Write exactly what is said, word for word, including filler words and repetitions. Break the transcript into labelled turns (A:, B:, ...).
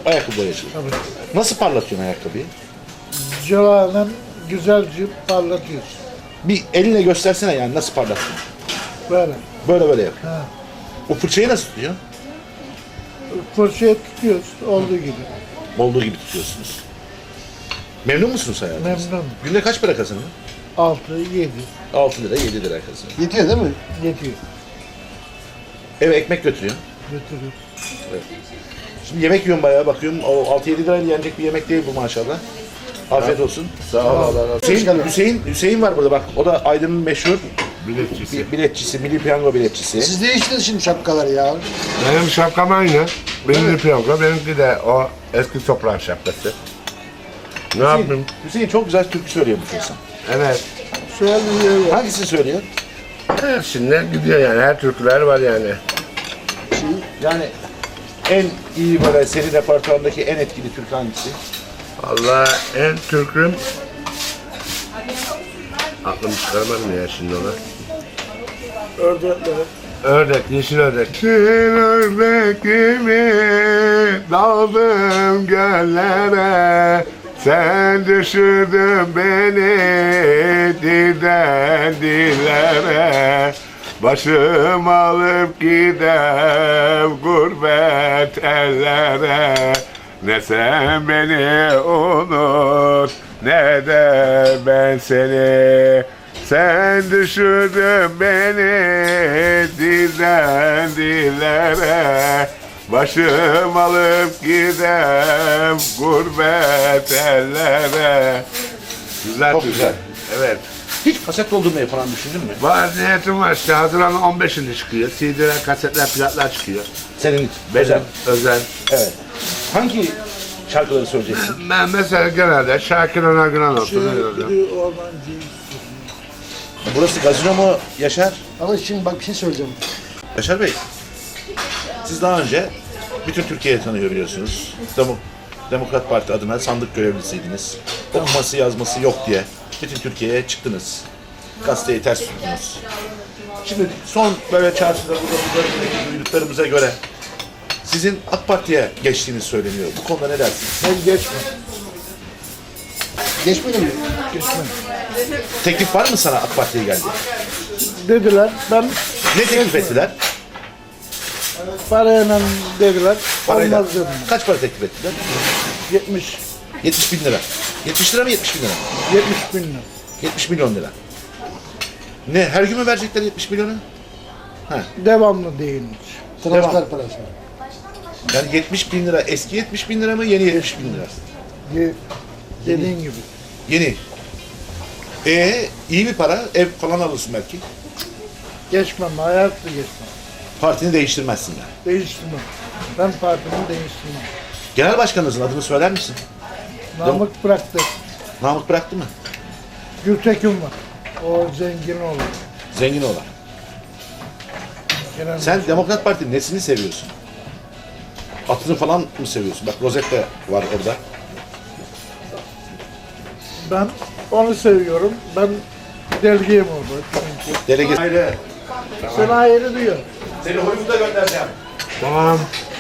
A: ayakkabı boyacılığı.
B: Tabii.
A: Nasıl parlatıyorsun ayakkabıyı?
B: Cıvayla güzelce parlatıyoruz.
A: Bir elinle göstersene yani nasıl parlattın?
B: Böyle.
A: Böyle böyle yap.
B: Ha.
A: O fırçayı nasıl tutuyorsun?
B: Fırçaya tutuyoruz olduğu gibi.
A: Olduğu gibi tutuyorsunuz. Memnun musunuz hayatınızdan?
B: Memnunum.
A: Günde kaç para kazanıyorsun?
B: Altı, yedi.
A: altı lira, yedi lira kazanıyorsun.
C: Yetiyor değil mi?
B: Yetiyor.
A: Eve ekmek götürüyorsun.
B: Götürüyor.
A: Şimdi yemek yiyorum bayağı bakıyorum. O altı yedi lirayla yenecek bir yemek değil bu maşallah. Afiyet olsun.
C: Sağ ol. Allah razı olsun.
A: Hüseyin, Hüseyin, Hüseyin var burada bak. O da Aydın'ın meşhur
D: Biletçisi.
A: bi- biletçisi, milli piyango biletçisi.
C: Siz değiştiniz şimdi şapkaları ya.
D: Benim şapkam aynı. Benim de piyango, benimki de o eski toprağın şapkası. Ne yapayım?
A: Hüseyin, Hüseyin çok güzel türkü söylüyormuş insan.
D: Evet.
B: Söylüyor.
A: Hangisini söylüyor?
D: Hepsinden gidiyor yani. Her türküler var yani.
A: Yani en iyi böyle senin repertuarındaki en etkili türkü hangisi?
D: Allah en türküm... Aklımı çıkaramadım ya şimdi ona.
B: Ördekleri.
D: Ördek, yeşil ördek. Yeşil ördek gibi daldım göllere. Sen düşürdün beni dilden dillere. Başım alıp gidem gurbet ellere. Ne sen beni unut ne de ben seni. Sen düşürdün beni dilden dillere. Başım alıp gidem gurbet ellere. Güzel
A: Çok
D: türkü.
A: güzel.
D: Evet.
A: Hiç kaset doldurmayı falan düşündün mü?
D: Var niyetim var işte Haziran'ın on beşinde çıkıyor. C D'ler, kasetler, plaklar çıkıyor.
A: Senin
D: Benim
A: özel.
D: özel.
A: Evet. Hangi şarkıları söyleyeceksin?
D: Ben mesela genelde Şakir Önagıran olsun.
B: Şey,
D: öyle oluyor.
B: biri ormancı.
A: Burası gazino mu Yaşar?
C: Ama şimdi bak bir şey söyleyeceğim.
A: Yaşar Bey, siz daha önce bütün Türkiye'yi tanıyor biliyorsunuz. Demo Demokrat Parti adına sandık görevlisiydiniz. Okuması yazması yok diye bütün Türkiye'ye çıktınız. Gazeteyi ters tuttunuz. Şimdi son böyle çarşıda burada burada duyduklarımıza göre sizin AK Parti'ye geçtiğiniz söyleniyor. Bu konuda ne dersiniz?
B: Ben geçme.
C: Geçmedi mi?
B: Geçme.
A: Teklif var mı sana AK Parti'ye geldi?
B: Dediler. Ben
A: Ne teklif ettiler?
B: parayla dediler.
A: Parayla.
B: Olmaz dedim.
A: Kaç para teklif ettiler?
B: yetmiş.
A: yetmiş bin lira. yetmiş lira mı yetmiş bin lira mı?
B: yetmiş bin lira.
A: yetmiş milyon lira. Ne her gün mü verecekler yetmiş milyonu?
B: Devamlı değilmiş.
C: Transfer parası.
A: Yani yetmiş bin lira eski yetmiş bin lira mı yeni yetmiş bin lira?
B: Ye- Dediğin gibi.
A: Yeni. Ee iyi bir para ev falan alırsın belki.
B: Geçmem. Hayatta geçmem.
A: Partini değiştirmezsin yani.
B: Değiştirmem. Ben partimi değiştirmem.
A: Genel başkanınızın adını söyler misin?
B: Namık bıraktı.
A: Namık bıraktı mı?
B: Gültekin var. O zengin olur.
A: Zengin olan.
B: Genel
A: Sen Demokrat Parti'nin nesini seviyorsun? Atını falan mı seviyorsun? Bak rozet de var orada.
B: Ben onu seviyorum. Ben delgiyim orada. Çünkü.
A: Delege. Ayrı.
B: Sen ayrı diyor.
A: Seni oyunu da göndereceğim.
D: Tamam.